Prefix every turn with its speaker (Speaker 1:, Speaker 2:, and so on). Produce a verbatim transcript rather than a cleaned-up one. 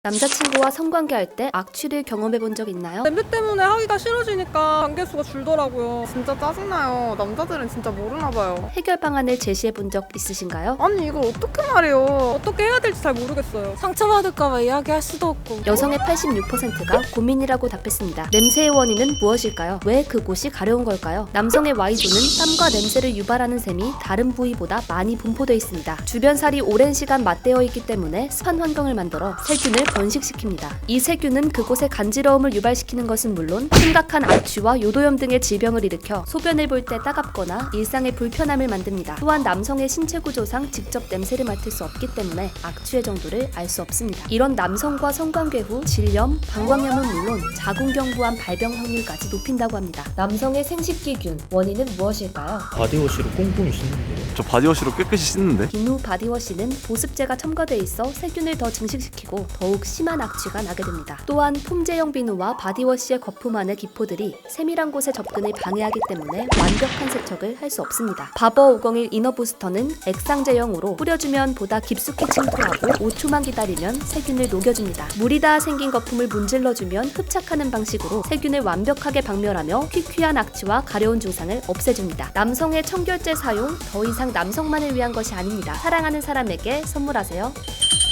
Speaker 1: 남자친구와 성관계할 때 악취를 경험해본 적 있나요?
Speaker 2: 냄새 때문에 하기가 싫어지니까 단계수가 줄더라고요.
Speaker 3: 진짜 짜증나요. 남자들은 진짜 모르나봐요.
Speaker 1: 해결 방안을 제시해본 적 있으신가요?
Speaker 3: 아니 이걸 어떻게 말해요.
Speaker 2: 어떻게 해야 될지 잘 모르겠어요.
Speaker 4: 상처받을까봐 이야기할 수도 없고.
Speaker 1: 여성의 팔십육 퍼센트가 고민이라고 답했습니다. 냄새의 원인은 무엇일까요? 왜 그곳이 가려운 걸까요? 남성의 Y존은 땀과 냄새를 유발하는 셈이 다른 부위보다 많이 분포되어 있습니다. 주변 살이 오랜 시간 맞대어 있기 때문에 습한 환경을 만들어 세균을 번식시킵니다. 이 세균은 그곳의 간지러움을 유발시키는 것은 물론 심각한 악취와 요도염 등의 질병을 일으켜 소변을 볼 때 따갑거나 일상의 불편함을 만듭니다. 또한 남성의 신체 구조상 직접 냄새를 맡을 수 없기 때문에 악취의 정도를 알 수 없습니다. 이런 남성과 성관계 후 질염, 방광염은 물론 자궁경부암 발병 확률까지 높인다고 합니다. 남성의 생식기균, 원인은 무엇일까요?
Speaker 5: 바디워시로 꼼꼼히 씻는데요.
Speaker 6: 저 바디워시로 깨끗이 씻는데?
Speaker 1: 비누 바디워시는 보습제가 첨가돼 있어 세균을 더 증식시키고 더욱 심한 악취가 나게 됩니다. 또한 폼제형 비누와 바디워시의 거품 안의 기포들이 세밀한 곳에 접근을 방해하기 때문에 완벽한 세척을 할 수 없습니다. 바버 오공일 이너 부스터는 액상제형으로 뿌려주면 보다 깊숙이 침투하고 오 초만 기다리면 세균을 녹여줍니다. 물이 닿아 생긴 거품을 문질러주면 흡착하는 방식으로 세균을 완벽하게 박멸하며 퀴퀴한 악취와 가려운 증상을 없애줍니다. 남성의 청결제 사용 더 이상 남성만을 위한 것이 아닙니다. 사랑하는 사람에게 선물하세요.